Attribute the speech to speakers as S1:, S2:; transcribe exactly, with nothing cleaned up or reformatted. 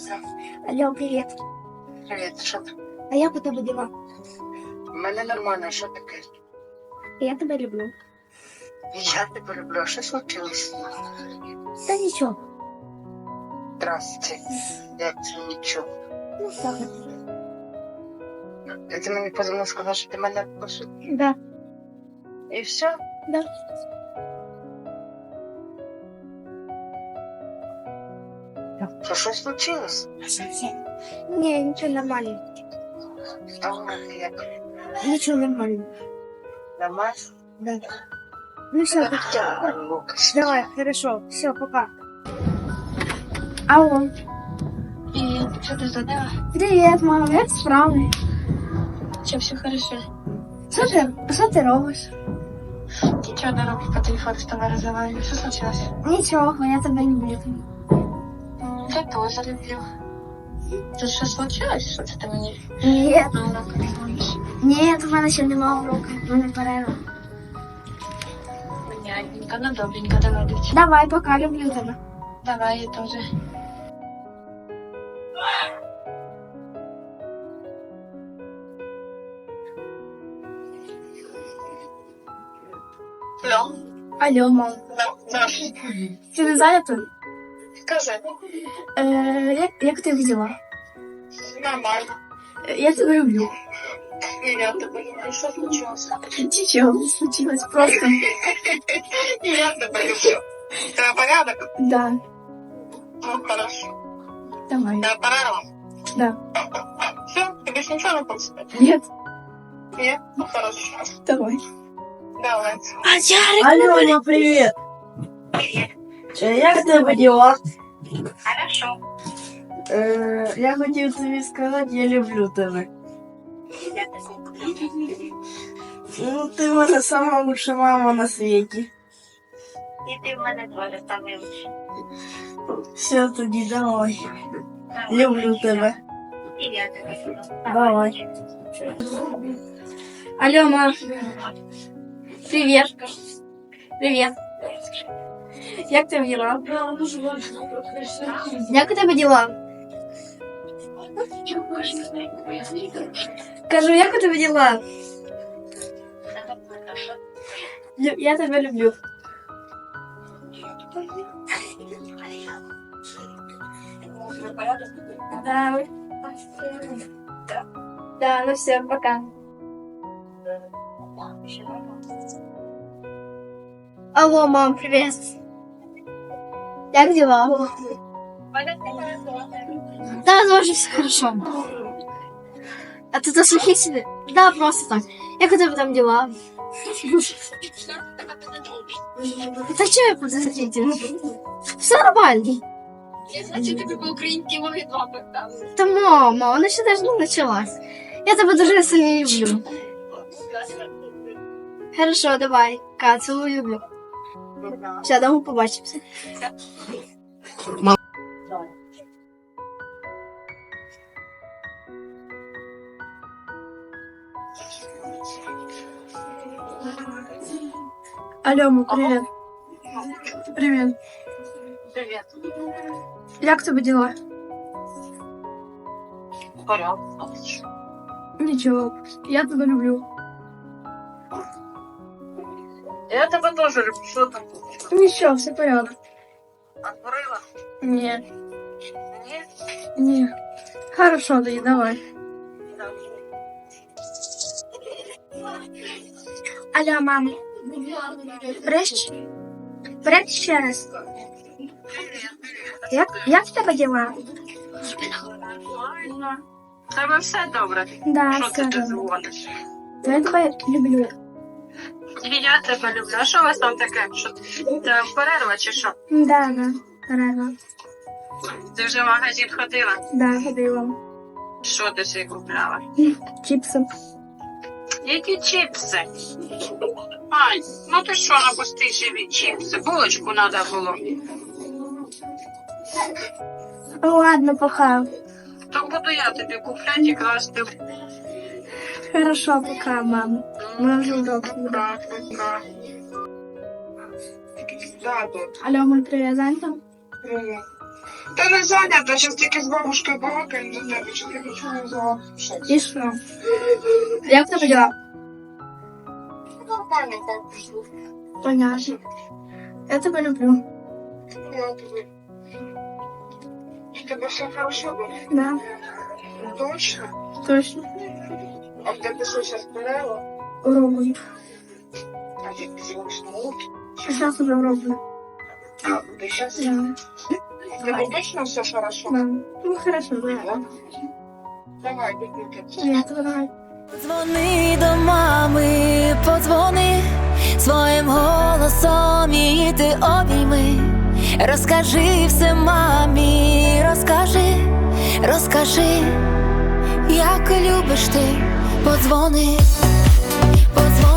S1: Алло, привіт.
S2: Привіт, що ти?
S1: А як у тебе діла?
S2: У мене нормально, що таке?
S1: Я тебе люблю.
S2: Я тебе люблю, а що случилось?
S1: Та нічого.
S2: Здрасте. Як це нічого?
S1: Ну, так.
S2: І ти мені позвонив, сказав, що ти мене пошив.
S1: Да.
S2: І все?
S1: Да.
S2: Що щось случилось?
S1: Ні, нічого нормально.
S2: Там як?
S1: Нічого нормально.
S2: Нормально?
S1: Да. Ну все,
S2: Так, Лукас.
S1: давай, хорошо. Все, пока. Алло.
S3: Привет, что ты задала?
S1: Привіт, мама, як справи?
S3: Все, все хорошо.
S1: Що ти, що ти робиш?
S3: Ничего, дорогу по телефону с тобой разговариваю. Что случилось?
S1: Нічого, я тебе люблю.
S3: М, Я тоже люблю. Тут что случилось? Что ты мне
S1: Ні,
S3: на уроках звонишь?
S1: ні, в мене ще немає уроку, в мене перерва.
S3: Понятненько, ну добренько, давай, дочь.
S1: Давай, пока, люблю тебе.
S3: Давай, я тоже. Алло.
S1: Алло, мам.
S3: Да.
S1: Ти не зайнята?
S3: Скажи.
S1: Е, як, як ти діла?
S3: Нормально.
S1: Е, Я тебе люблю.
S3: И я тебя люблю. Что случилось?
S1: Нічого не случилось, просто.
S3: И я тебя люблю. Ты порядок?
S1: Да,
S3: Ну, хорошо.
S1: давай.
S3: Я порядок?
S1: Да.
S3: Все, ты больше ничего не хочешь?
S1: Нет,
S3: Нет? Ну, хорошо.
S1: давай.
S3: Давай.
S4: Алло, мама, привіт! Е, Як тебе діла?
S3: Хорошо.
S4: Е, я хотів тобі сказати, я люблю тебе. Ну, ти в мене сама лучша мама на світі.
S3: І ти в мене теж самий лучший.
S4: Все, тоді давай. Люблю тебе.
S3: І я тебе люблю.
S4: Давай.
S1: Алло, мам. Привет. Привет. Як тебе діла? Як у тебе діла? Кажу, як у тебе діла? Лю- Я тебе люблю. Да. Да. Да, ну все, пока. Алло, мам, привет. Как дела? Да, тоже все хорошо. А ты заслухи себе? Да, просто так. Как у тебя там дела? Да что я подозрительно? Все нормально.
S3: Значить, тобі по-українськи мови два питали.
S1: Да, мама, она еще даже не началась. Я тебя дуже сильно люблю. Хорошо, давай. Ка, целую, люблю. Все, дома побачимся. Алло, мам, привет. Привет.
S3: Привіт.
S1: Як тебе дела?
S3: Порядок.
S1: Ничего, я тебя люблю.
S3: Я тебе теж люблю. Що там?
S1: Ничего, все порядок.
S3: Отворила?
S1: Нет,
S3: Ні?
S1: нет. Хорошо, да, давай. Алло, мама. Прещ? Привет ще раз. Як, як в тебе діла?
S3: Нормально. Тебе все добре.
S1: Да,
S3: Що
S1: все
S3: ти тут
S1: добре.
S3: дзвониш?
S1: Я тебе люблю.
S3: І я тебе люблю. А що у вас там таке? Що це перерва чи що?
S1: Да, да, перерва.
S3: Ти вже в магазин ходила?
S1: Да, ходила.
S3: Що ти собі купляла?
S1: Чіпси.
S3: Які чіпси? Ай, ну ти що напусти собі чіпси? Булочку треба було.
S1: Ладно, пока.
S3: То буду я тобі купляти і красти.
S1: Хорошо, пока, мама. Мы уже удобно.
S3: Пока, пока. Да, тут.
S1: Алло, мой привет, занята?
S3: Привіт.
S4: Та не зайнята, зараз тільки з бабушкою балакаємо до тебе, що ти нічого не взяла.
S1: І що? Як тебе діла? Понятно. Я тебе люблю.
S4: У тебе все хорошо було?
S1: Да,
S4: Точно?
S1: точно.
S4: А в тебе що зараз болело?
S1: Роблю.
S4: А ти пізніше науки?
S1: Зараз уже роблю.
S4: А, ти зараз?
S1: Да.
S4: В тебе точно все хорошо?
S1: Да. Ну, хорошо, да.
S4: Давай, бігнути.
S1: Я тебе давай.
S5: Подзвони до мами, подзвони своїм голосом її ти обійми. Розкажи все мамі, розкажи, розкажи, як любиш ти, подзвони, подзвони.